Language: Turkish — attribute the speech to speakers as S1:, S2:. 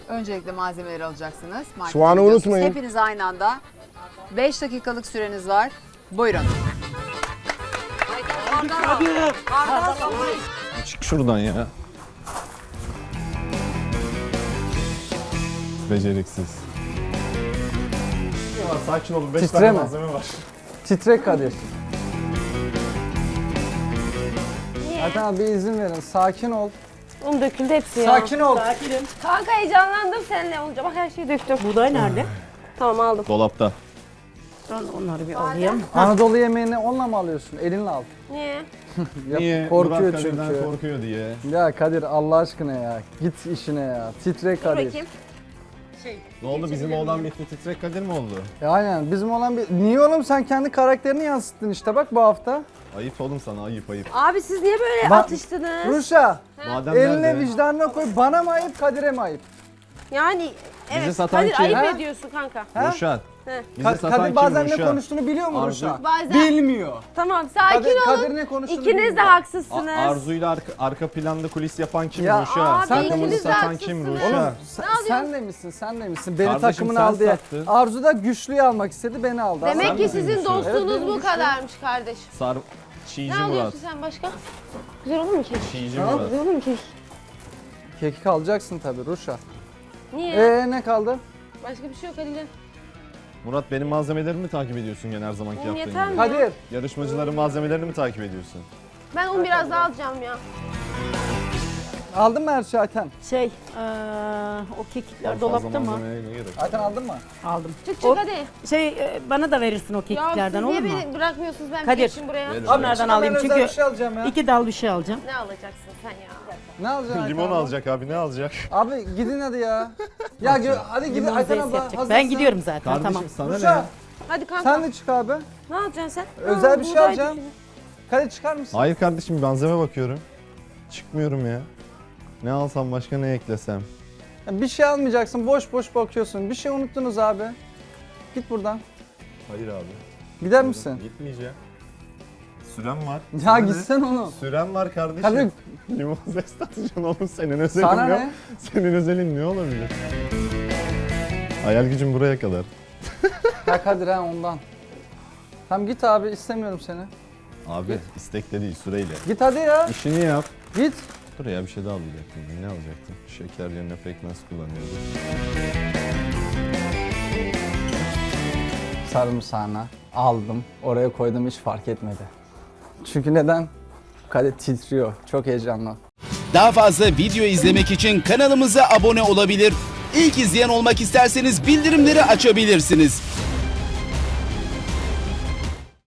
S1: Öncelikle malzemeleri alacaksınız. Markete
S2: Soğanı
S1: gidiyorsunuz.
S2: unutmayın.
S1: Hepiniz aynı anda. 5 dakikalık süreniz var. Buyurun.
S3: Çık şuradan ya. Beceriksiz.
S2: Sakin olun. 5
S4: Titreme.
S2: tane malzeme var.
S4: Titrek Kadir. Zaten abi izin verin. Sakin ol.
S5: Un döküldü hepsi ya.
S4: Sakin ol.
S5: Kanka heyecanlandım seninle olunca. Bak her şeyi döktüm.
S6: Buğday nerede?
S5: Tamam aldım.
S3: Dolapta.
S6: Ben onları bir alayım.
S4: Anadolu yemeğini onunla mı alıyorsun? Elinle al.
S5: Niye?
S4: Ya,
S3: Niye?
S4: korkuyor
S3: Murat Kadir'den
S4: çünkü.
S3: korkuyor diye.
S4: Ya Kadir Allah aşkına ya. Git işine ya. Titrek
S5: Dur
S4: Kadir.
S5: bakayım.
S3: Ne oldu, bizim oğlan bitti, titrek Kadir mi oldu?
S4: Aynen bizim olan bir... Niye oğlum sen kendi karakterini yansıttın işte bak bu hafta.
S3: Ayıp oğlum sana, ayıp ayıp.
S5: Abi siz niye böyle
S4: Ba-
S5: atıştınız?
S4: Ruşa
S3: Madem
S4: eline
S3: nerede?
S4: vicdanına koy. Bana mı ayıp Kadir'e mi ayıp?
S5: Yani evet.
S3: satan
S5: Kadir
S3: kim?
S5: ayıp
S4: Ha?
S5: ediyorsun kanka.
S4: Ha?
S3: Ruşat.
S5: He.
S3: Bizi satan
S4: Kadir
S3: kim
S4: bazen ne
S3: Ruşat?
S4: konuştuğunu biliyor mu
S3: Arzu.
S4: Ruşa?
S5: Bazen-
S4: Bilmiyor.
S5: Tamam sakin
S4: Kadir,
S5: olun.
S4: Kadir ne konuştuğunu
S5: İkiniz de
S4: bilmiyor.
S5: haksızsınız.
S3: Arzu'yla arka planda kulis yapan kim
S4: Ya,
S3: Ruşa?
S5: abi,
S3: Takımını
S5: ikiniz de
S3: satan kim
S5: haksızsınız.
S3: Ruşa?
S4: Oğlum sen de misin? Sen de misin? Beni
S3: Kardeşim,
S4: takımına
S3: sen
S4: al diye.
S3: sattın.
S4: Arzu da güçlüyü almak istedi, beni aldı.
S5: Demek
S3: Sen
S5: ki
S3: misin
S5: sizin
S3: güçlü?
S5: dostluğunuz
S4: Evet, benim
S5: bu
S4: güçlü.
S5: kadarmış kardeş.
S3: Çiğci
S5: Ne
S3: Murat.
S5: alıyorsun sen başka? Güzel olur mu kek?
S3: Çiğci Murat.
S5: Güzel olur mu kek?
S4: Kekik alacaksın tabii Ruşa.
S5: Niye?
S4: Ne kaldı?
S5: Başka bir şey yok Halil'in.
S3: Murat, benim malzemelerimi mi takip ediyorsun gene her zamanki
S5: Oğlum
S3: yaptığın
S5: yeter
S3: gibi?
S5: mi?
S4: Kadir.
S3: Yarışmacıların malzemelerini mi takip ediyorsun?
S5: Ben un biraz daha alacağım ya.
S4: Aldın mı her şeyi Ayten?
S6: O kekikler
S3: Fazla
S6: dolapta mı?
S3: malzemeye ne gerek var?
S4: Ayten aldın mı?
S6: Aldım.
S5: Çık çık
S6: O-
S5: hadi.
S6: Bana da verirsin o
S5: Ya siz
S6: kekiklerden olur
S5: niye
S6: mu?
S5: beni bırakmıyorsunuz ben
S6: Kadir.
S5: geçeyim buraya?
S3: Verin.
S6: Onlardan
S4: çıkın,
S6: alayım
S4: ben özel
S6: çünkü
S4: bir şey alacağım ya.
S6: 2 dal bir şey alacağım.
S5: Ne alacaksın sen ya?
S4: Ne alacaksın Ayten
S3: Limon
S4: abla?
S3: alacak abi, ne alacak?
S4: Abi gidin hadi ya. hadi gidin
S6: Limonu
S4: Ayten
S6: zeyt
S4: abla.
S6: yapacak.
S4: hazırsın.
S6: Ben gidiyorum zaten
S3: Kardeşim
S6: tamam.
S3: sana ne?
S4: Ruşa
S5: Hadi kanka.
S4: sen de çık abi.
S5: Ne alacaksın sen?
S4: Özel bir şey
S5: buğday
S4: alacağım.
S5: düşünün.
S4: Kadir çıkar mısın?
S3: Hayır kardeşim, malzeme bakıyorum. Çıkmıyorum ya. Ne alsam başka, ne eklesem?
S4: Ya bir şey almayacaksın, boş boş bakıyorsun. Bir şey unuttunuz abi. Git buradan.
S3: Hayır abi.
S4: Gider misin?
S3: Gitmeyeceğim. Sürem var.
S4: Ya
S3: Sana ne?
S4: gitsen onu.
S3: Sürem var kardeşim.
S4: Kadir
S3: Limon zest atacaksın oğlum, senin özelin
S4: sana
S3: yok.
S4: ne?
S3: Senin özelin ne olabilir? Hayal gücüm buraya kadar.
S4: Ya Kadir ha ondan. Tamam git abi istemiyorum seni.
S3: Abi istekle değil, süreyle.
S4: Git hadi ya.
S3: İşini yap.
S4: Git.
S3: Dur ya, bir şey daha alacaktım. Ne alacaktım? Şeker yerine pekmez kullanıyordum.
S4: Sarımsağına aldım. Oraya koydum hiç fark etmedi. Çünkü neden? Kadir titriyor. Çok heyecanlı.
S7: Daha fazla video izlemek için kanalımıza abone olabilir. İlk izleyen olmak isterseniz bildirimleri açabilirsiniz.